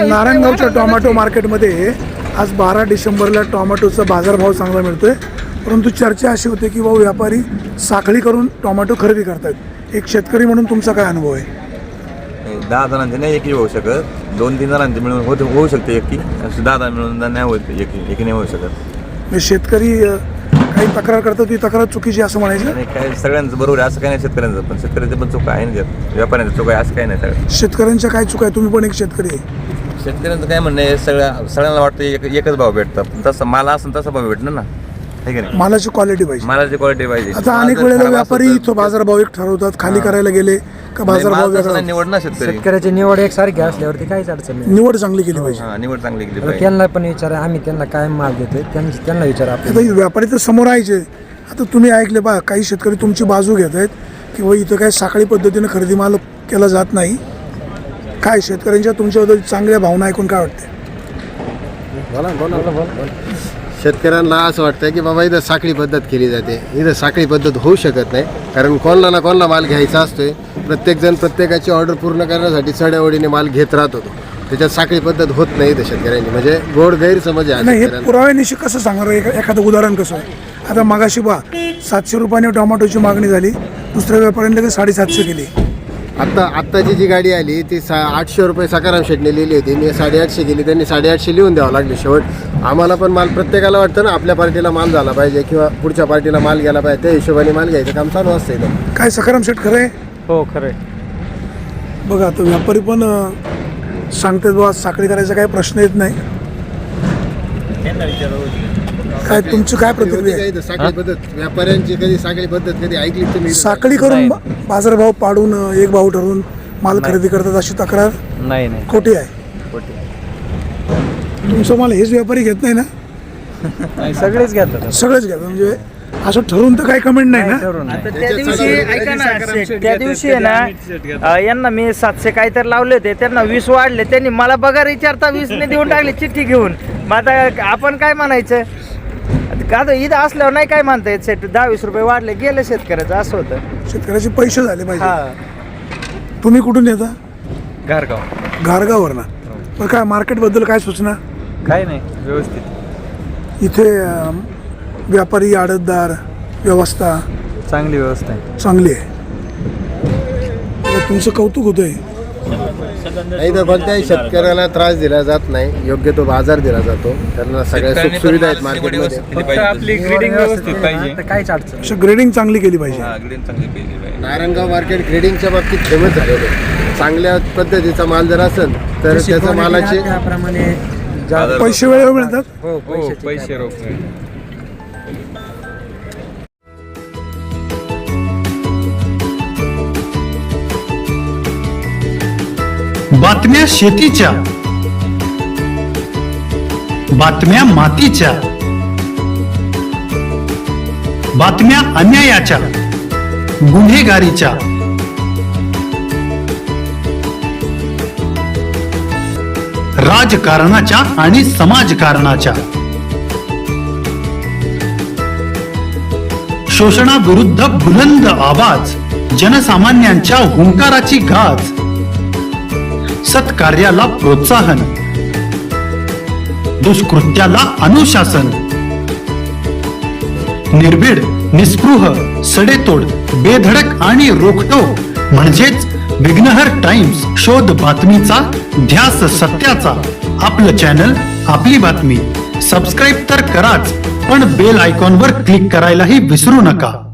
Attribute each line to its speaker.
Speaker 1: नारायणगावच्या tomato मार्केटमध्ये आज 12 डिसेंबरला टोमॅटोचा बाजारभाव चांगला मिळतोय, परंतु चर्चा अशी होते की भाऊ व्यापारी साखळी करून टोमॅटो खरेदी करतात। एक शेतकरी म्हणून तुमचा काय अनुभव आहे?
Speaker 2: 10 जणांचे नाही एकी होऊ शकत, 2-3 जणांचे मिळून होऊ शकते एकी, 10 मिळून नाही होत एकी नाही होऊ शकत।
Speaker 1: शेतकरी काही तक्रार करतात, ती तक्रार चुकीची असं म्हणायचं
Speaker 2: नाही, काय सगळ्यांचं बरोबर आहे असं काही नाही, शेतकऱ्यांचं पण शेतकऱ्याचं पण चूक आहे ना, व्यापाऱ्यांचं चूक आहे असं काही नाही। सगळं
Speaker 1: शेतकऱ्यांच्या काय चूक आहे? तुम्ही पण एक शेतकरी आहे।
Speaker 2: शेतकऱ्यांचं काय म्हणणं आहे, सगळ्यांना वाटतं एकच भाव भेटतात, तसं मला असं तसा भाव भेटणार ना, आहे की नाही?
Speaker 1: मालाची क्वालिटी पाहिजे,
Speaker 2: मालाची क्वालिटी पाहिजे।
Speaker 1: आता अनेक वेळेला व्यापारी तो बाजारभाव एक ठरवतात, खाली करायला गेले का बाजारभाव वेगळा।
Speaker 2: निवड ना
Speaker 3: शेतकऱ्याची निवड एकसारखी असल्यावरती काहीच अडचण नाही।
Speaker 1: निवड चांगली केली पाहिजे।
Speaker 2: निवड चांगली केली पाहिजे।
Speaker 3: त्यांना पण विचारा, आम्ही त्यांना काय माल देतोय त्यांना विचारा।
Speaker 1: आता व्यापारी तर समोर यायचे। आता तुम्ही ऐकले बा, काही शेतकरी तुमची बाजू घेत आहेत की बाबा इथं काय साखळी पद्धतीने खरेदी माल केला जात नाही। काय शेतकऱ्यांच्या तुमच्याबद्दल चांगल्या भावना ऐकून काय वाटते?
Speaker 4: शेतकऱ्यांना असं वाटतं की बाबा इथं साखळी पद्धत केली जाते, इथं साखळी पद्धत होऊ शकत नाही, कारण कोणाला ना कोणाला माल घ्यायचा असतोय। प्रत्येकजण प्रत्येकाची ऑर्डर पूर्ण करण्यासाठी चढ्याओढीने माल घेत राहत होतो, त्याच्यात साखळी पद्धत होत नाही इथं शेतकऱ्यांनी, म्हणजे गोड गैरसमज आहे।
Speaker 1: नाही, हे पुराव्यानिशी कसं सांगणार? एखादं उदाहरण कसं आहे? आता मगाशी बा 700 रुपयाने टोमॅटोची मागणी झाली, दुसऱ्या व्यापाऱ्यांनी ते 750 केली।
Speaker 4: आत्ताची जी गाडी आली ती 800 रुपये सकाराम शेटने लिहिली होती, मी 850 केली, त्यांनी 850 लिहून द्यावं लागले शेवट। आम्हाला पण माल, प्रत्येकाला वाटतं ना आपल्या पार्टीला माल झाला पाहिजे किंवा पुढच्या पार्टीला माल गेला पाहिजे, त्या हिशोबाने माल घ्यायचं काम चालू असतं इथं।
Speaker 1: काय सकाराम शेट खरं आहे?
Speaker 3: हो खरं आहे।
Speaker 1: बघा, तो व्यापारी पण सांगतात बाबा साखळी करायचा काही प्रश्न येत नाही। काय तुमची काय प्रतिक्रिया आहे?
Speaker 4: साखळी पद्धत व्यापाऱ्यांची कधी साखळी पद्धत कधी ऐकली तुम्ही?
Speaker 1: साखळी करून बाजारभाव पाडून एक भाव ठरवून माल खरेदी करतात अशी तक्रार
Speaker 3: नाही
Speaker 1: खोटी आहे। तुमचं माल हेच व्यापारी घेत नाही ना?
Speaker 3: सगळेच घेतात,
Speaker 1: सगळेच घेतात, म्हणजे असं ठरवून तर काही कमेंट नाही ना?
Speaker 5: त्या दिवशी ऐका ना, त्या दिवशी आहे ना, यांना मी 700 काहीतरी लावले होते, त्यांना 20 वाढले, त्यांनी मला बघा विचारता 20 ने देऊन टाकले चिठ्ठी घेऊन। मग आता आपण काय म्हणायचं? का तर इथं असल्यावर नाही काय म्हणता येत, सेट 10-20 रुपये वाढले गेले शेतकऱ्याचं, असं होतं।
Speaker 1: शेतकऱ्याचे पैसे झाले पाहिजे।
Speaker 5: हा,
Speaker 1: तुम्ही कुठून येता?
Speaker 3: घारगाव।
Speaker 1: घारगाववर ना? पण काय मार्केटबद्दल काय सूचना?
Speaker 3: काय नाही, व्यवस्थित
Speaker 1: इथे व्यापारी आडतदार व्यवस्था
Speaker 3: चांगली व्यवस्था आहे,
Speaker 1: चांगली आहे। तुमचं कौतुक होतंय।
Speaker 4: नाही तर कोणत्याही शेतकऱ्याला त्रास दिला जात नाही, योग्य तो बाजार दिला जातो, त्यांना सगळ्या सुख सुविधा आहेत मार्केटमध्ये।
Speaker 3: फक्त आपली ग्रेडिंग व्यवस्थित पाहिजे, काहीच अडचण
Speaker 1: अशा ग्रेडिंग चांगली केली पाहिजे।
Speaker 4: नारायणगाव मार्केट ग्रेडिंगच्या बाबतीत फेमस झालेलं आहे। चांगल्या पद्धतीचा माल जर असेल तर त्याच्या मालाचे
Speaker 3: त्याप्रमाणे
Speaker 1: पैसे वेळेवर मिळतात।
Speaker 3: हो पैसे रोख।
Speaker 6: बातम्या शेतीच्या, बातम्या मातीच्या, बातम्या अन्यायाच्या, गुन्हेगारीच्या, राजकारणाच्या आणि समाजकारणाच्या, शोषणाविरुद्ध बुलंद आवाज, जनसामान्यांच्या हुंकाराची गाज, सत्कार्याला प्रोत्साहन, दुष्कृत्याला अनुशासन, निर्भीड, निस्पृह, सडेतोड, बेधडक आणि रोखटोक म्हणजेच विघ्नहर टाइम्स, शोध बातमीचा, ध्यास सत्याचा। आपलं चॅनल, आपली बातमी। सबस्क्राईब तर कराच, पण बेल आयकॉनवर क्लिक करायलाही विसरू नका।